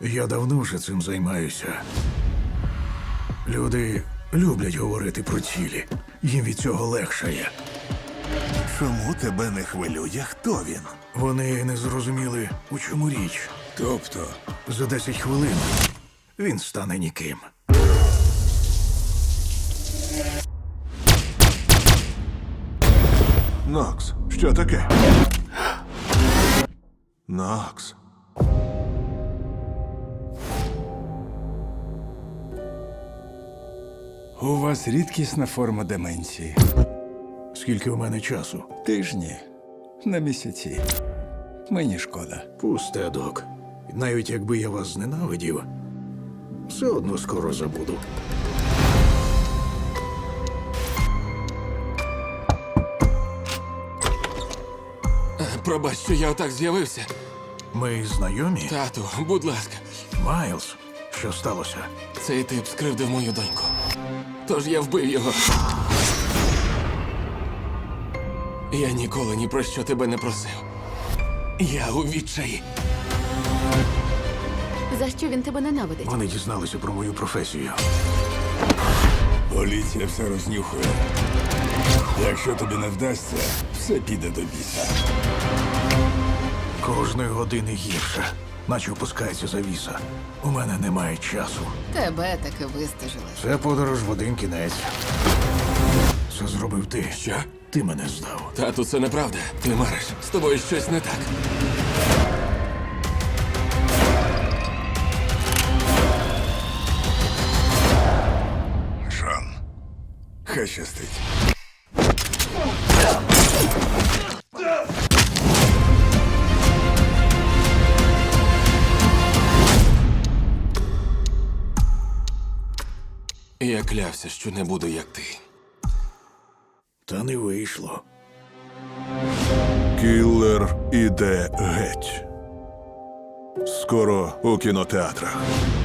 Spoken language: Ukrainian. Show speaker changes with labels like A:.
A: Я давно вже цим займаюся. Люди люблять говорити про цілі. Їм від цього легшає.
B: Чому тебе не хвилює, хто він?
A: Вони не зрозуміли, у чому річ.
B: Тобто,
A: За 10 хвилин він стане ніким.
B: Нокс, що таке? Нокс.
C: У вас рідкісна форма деменції.
A: Скільки у мене часу?
C: Тижні, на місяці. Мені шкода.
A: Пусте, док. Навіть якби я вас зненавидів, все одно скоро забуду.
D: Пробач, що я отак з'явився.
A: Ми знайомі?
D: Тату, будь ласка,
A: Майлз, що сталося?
D: цей тип скривдив мою доньку. Тож я вбив його. Я ніколи ні про що тебе не просив. Я у відчаї.
E: За що він тебе ненавидить?
A: Вони дізналися про мою професію.
C: Поліція все рознюхує. Якщо тобі не вдасться, все піде до біса.
A: Кожної години гірше, наче опускається завіса. У мене немає часу.
E: Тебе таки вистежили.
A: Це подорож в один кінець. Це зробив ти.
D: Що?
A: Ти мене здав.
D: Тату, це неправда. Ти мариш. З тобою щось не так.
C: Шон, хай щастить.
D: Я клявся, що не буду як ти.
A: Та не вийшло.
B: Кіллер іде геть. Скоро у кінотеатрах.